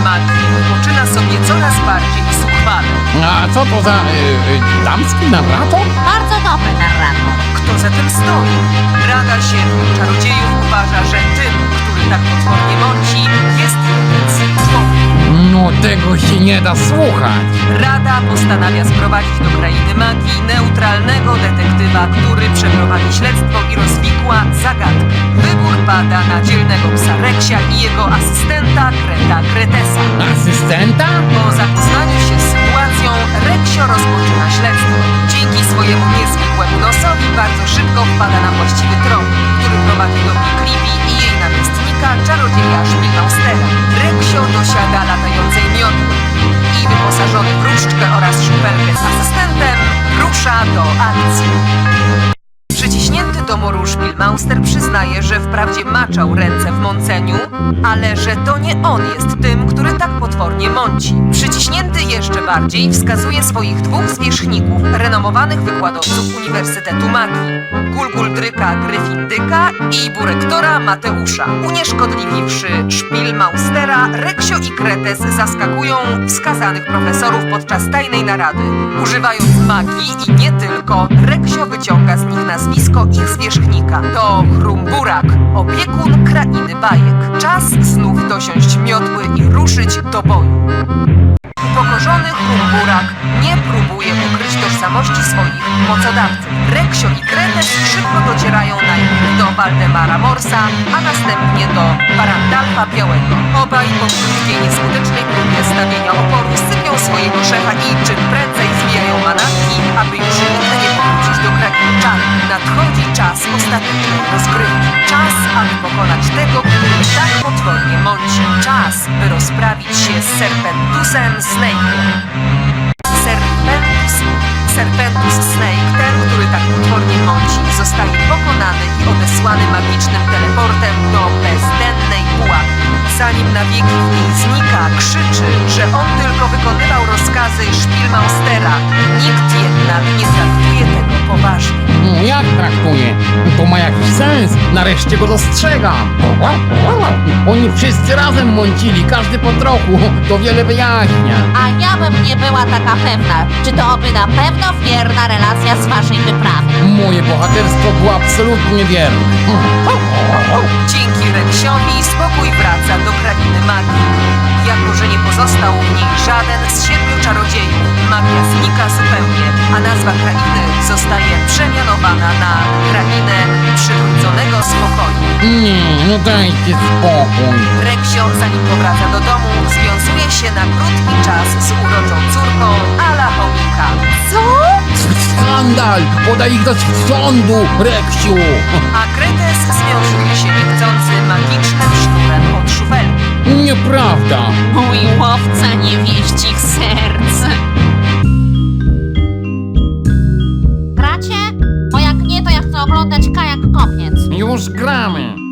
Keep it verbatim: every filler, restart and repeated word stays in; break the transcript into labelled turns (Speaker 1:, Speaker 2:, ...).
Speaker 1: magii poczyna sobie coraz bardziej zuchwale.
Speaker 2: A co to za y, y, damski narrator?
Speaker 3: Bardzo dobry narrator.
Speaker 1: Kto za tym stoi? Rada Siedmiu Czarodziejów uważa, że tym, który tak potwornie mąci, jest jeden człowiek.
Speaker 2: No tego się nie da słuchać.
Speaker 1: Rada postanawia sprowadzić do krainy magii neutralnego detektywa, który przeprowadzi śledztwo i rozwikła zagadkę. Wybór pada na dzielnego psa Reksia i jego asystenta Kreta Kretesa.
Speaker 2: Asystenta?
Speaker 1: Po zapoznaniu się z sytuacją Reksio rozpoczyna śledztwo. Dzięki swojemu niezwykłemu nosowi bardzo szybko wpada na właściwy trop, który prowadzi do Creepy i jej namiestnika, czarodzieja Szpilmaustera. Reksio dosiada latającej miotły i wyposażony w różdżkę oraz szpelkę z asystentem rusza do akcji. Przyciśnięty do muru Szpilmauster przyznaje, że wprawdzie maczał ręce w mąceniu, ale że to nie on jest tym, który tak potwornie mąci. Przyciśnięty jeszcze bardziej wskazuje swoich dwóch zwierzchników, renomowanych wykładowców Uniwersytetu Magii, Gulguldryka Gryfindyka i Burektora Mateusza. Unieszkodliwiwszy Szpilmaustera, Reksio i Kretes zaskakują wskazanych profesorów podczas tajnej narady. Używając magii i nie tylko, Reksio wyciąga z nich nazwisko ich zwierzchnika. To Chrumburak, opiekun krainy bajek. Czas znów dosiąść miotły i ruszyć do boju. Upokorzony Chrumburak nie próbuje ukryć tożsamości swoich mocodawców. Reksio i Kretes szybko docierają najpierw do Waldemara Morsa, a następnie do Parandalfa Białego. Obaj po krótkiej, nieskutecznej próbie stawienia oporu sypią swojego szefa i czym prędzej zwijają manatki, aby już nigdy nie powrócić do krainy czarów. Nadchodzi czas ostatecznej rozgrywki. Czas, aby pokonać tego, który tak potwornie mąci. Czas, by rozprawić się z Serpentusem Snake'em. Serpentus, Serpentus Snake, ten, który tak potwornie mąci, zostaje pokonany i odesłany magicznym teleportem do bezdennej pułapki. Zanim na wieki w niej znika, krzyczy, że on tylko wykonywał rozkazy Szpilmaustera. Nikt jednak nie traktuje tego poważnie.
Speaker 2: No, jak traktuje? To ma jakiś sens. Nareszcie go dostrzegam. Oni wszyscy razem mącili, każdy po trochu. To wiele wyjaśnia.
Speaker 3: A ja bym nie była taka pewna, czy to oby na pewno wierna relacja z waszej wyprawy.
Speaker 2: Moje bohaterstwo było absolutnie wierne.
Speaker 1: Dzięki Reksiowi spokój wraca do krainy magii. Jako że nie pozostał w niej żaden z siedmiu czarodziejów, magia znika zupełnie, a nazwa krainy zostaje przemianowana na krainę przywróconego spokoju.
Speaker 2: Nie, no dajcie spokój.
Speaker 1: Reksio, zanim powraca do domu, związuje się na krótki czas z uroczą córką Ala Chomika.
Speaker 3: Co?
Speaker 2: Skandal! Podaj ich do sądu, Reksiu!
Speaker 1: A Kretes związuje się niechcący magicznym sznurem od szufelki.
Speaker 2: Nieprawda!
Speaker 3: Mój łowca niewieścich serc. Gracie? Bo jak nie, to ja chcę oglądać Kajak Kopiec.
Speaker 2: Już gramy!